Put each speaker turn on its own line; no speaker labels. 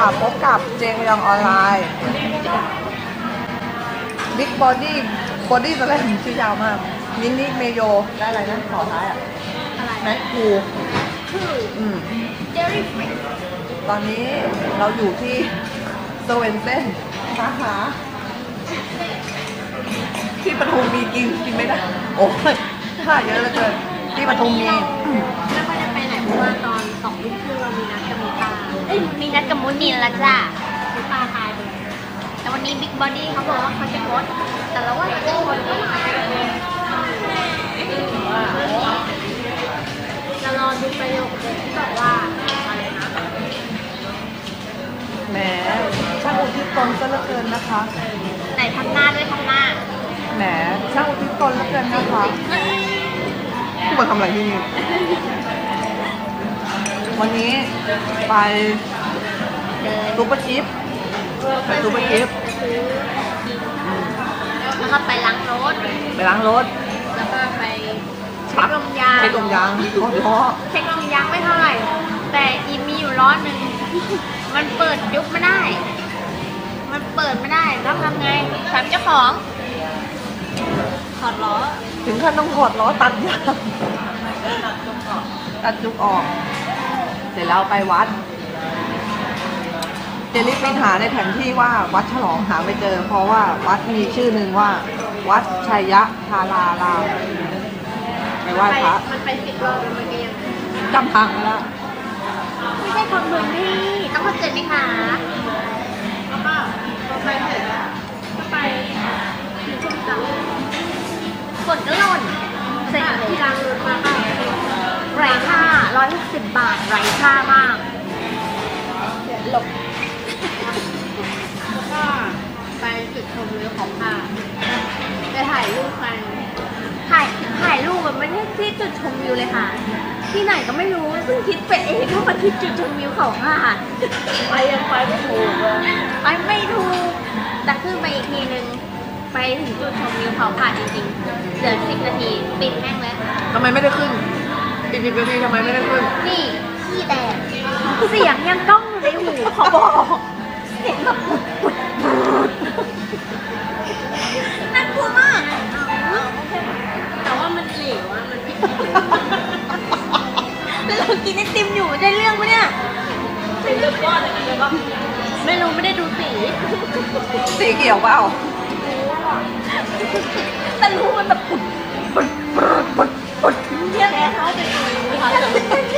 พบกับเจงยองออนไลน์บิ๊กบอดี้ตอนแรกชื่อยาวมากมินิเมโยได้อะไรนะขอท้ายอ่ะ
อะไร
แมคคู
คือเจลลี่ฟรี
ตอนนี้เราอยู่ที่สเวนเซ่นสาขาที่ปทุมมีกินไม่ได้โอ้ยถ้าเยอะเหลือเกินที่ปทุมมี
ไม่ค่อยได้ไปไหนเพราะว่าตอน2 ทุ่มครึ่งเรามีนัดกับมูตามีนัดกับมูนินแล้วจ้ะมูตาตายไปแต่วันนี้บิ๊กบอดี้เขาบอกว่าเขาจะงดแต่เราว่าจะงดก็มาจะรอดูประโยคเด็ดที่บอกว่าอะไรนะ
แหมช่างอุทิศตนซะเหลือเกินนะคะ
ไหนทำหน้าด้วยทำหน้า
แหมช่างอุทิศตนเหลือเกินนะคะผู้มาทำอะไรที่นี่วันนี้ไป
เดิน
ซูเปอร์ชิปไปซูเปอร์ชิป
แล้วก็ไปล้างรถ
ไปล้างรถ
แล้วก็ไปเช็คลมยาง
เช็คลมยางเพราะ
เช็คลมยางไม่เท่าไหร่ แต่อีมีอยู่ล้อหนึ่งมันเปิดยุบไม่ได้ มันเปิดไม่ได้ต้องทำไงถามเจ้าของถอดล้อ
ถึงขั้นต้องถอดล้อตัดยางตัดจุกออก เสร็จแล้วไปวัดเจลิฟไปหาในแผนที่ว่าวัดฉลองหาไม่เจอ เพราะว่าวัดมีชื่อหนึ่งว่า วัดชัยยะธารารามไปไหว้พระ
มันไป10 รอบแล้วมันก็ยัง
จำทางไม่ได้
ไม่ใช่คนพื้นที่ต้องเข้าใจไหมคะแล้วก็ไปเสร็จแล้วก็ไปถึงช่วงจังฝนก็หล่นเสร็จที่ร้านรถมาค่ะไร้ค่า160 บาทไร้ค่ามากหลบแล้วก็ไปจุดชมวิวของค่ะไปถ่ายรูปกันถ่ายรูปมันไม่ใช่ที่จุดชมวิวเลยค่ะ ที่ไหนก็ไม่รู้ซึ่งคิดไปเองว่ามันที่จุดชมวิวเขาค่ะไปยังไปไม่ถูกเลยไปไม่ถูกแต่ขึ้นไปอีกทีนึงไปถึงจุดชมวิวเขาค่ะจริงๆเหลือ10 นาทีปิดแม่งเลย
ทำไมไม่ได้ขึ้นอีก10 นาทีทำไมไม่ได้ขึ้น
นี่ขี้แตกเสียงยังก้องอยู่ในหูขอบอกเสียงแบบปุดน่ากลัวมากแต่ว่ามันเหลวอะมันแล้วเรากินไอติมอยู่ได้เรื่องปะเนี่ยไม่รู้ไม่ได้ดูสี
สีเขียวเปล่า
แต่รู้มันแบบปุดเนี่ยแพ้เขาจะดู